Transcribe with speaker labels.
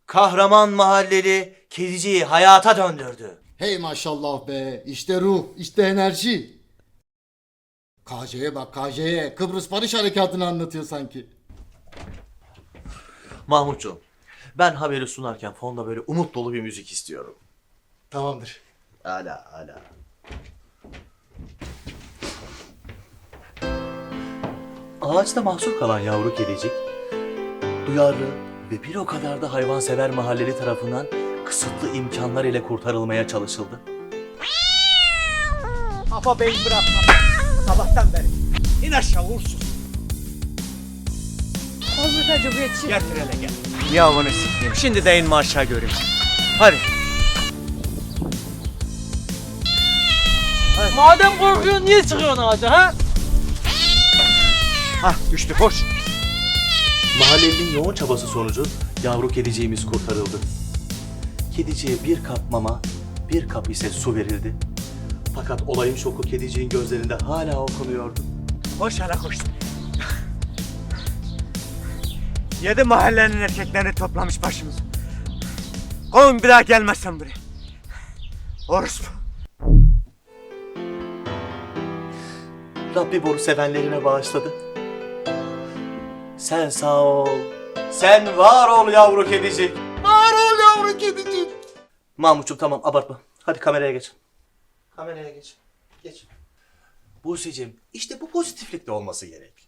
Speaker 1: Kahraman mahalleli kediciyi hayata döndürdü.
Speaker 2: Hey maşallah be. İşte ruh, işte enerji. KJ'ye bak KJ'ye. Kıbrıs Barış Harekatı'nı anlatıyor sanki.
Speaker 1: Mahmutcuğum, ben haberi sunarken fonda böyle umut dolu bir müzik istiyorum.
Speaker 2: Tamamdır.
Speaker 1: Hala. Ağaçta mahsur kalan yavru kedicik, duyarlı ve bir o kadar da hayvansever mahalleli tarafından kısıtlı imkanlar ile kurtarılmaya çalışıldı.
Speaker 3: Kafa beyin bırakma. Sabahtan beri. İn aşağı uğursuz.
Speaker 4: Olmadı Cumhuriyetçi.
Speaker 3: Getir hele gel. Yavunu sikeyim. Şimdi de inme aşağı göreyim. Hadi.
Speaker 4: Madem korkuyorsun niye çıkıyorsun ağaca ha?
Speaker 3: Hah düştü koş.
Speaker 1: Mahallelinin yoğun çabası sonucu yavru kediciğimiz kurtarıldı. Kediciye bir kap mama, bir kap ise su verildi. Fakat olayın şoku kediciğin gözlerinde hala okunuyordu.
Speaker 3: Koş hele koş. 7 mahallenin erkeklerini toplamış başımıza. Kovun bir daha gelmezsen buraya. Orospu.
Speaker 1: Rabbim onu sevenlerine bağışladı. Sen sağ ol, sen var ol yavru kedicik.
Speaker 2: Var ol yavru kedicik.
Speaker 1: Mahmutcuğum tamam abartma. Hadi kameraya geç. Kameraya geç. Geç. Buse'cim işte bu pozitiflikte olması gerek.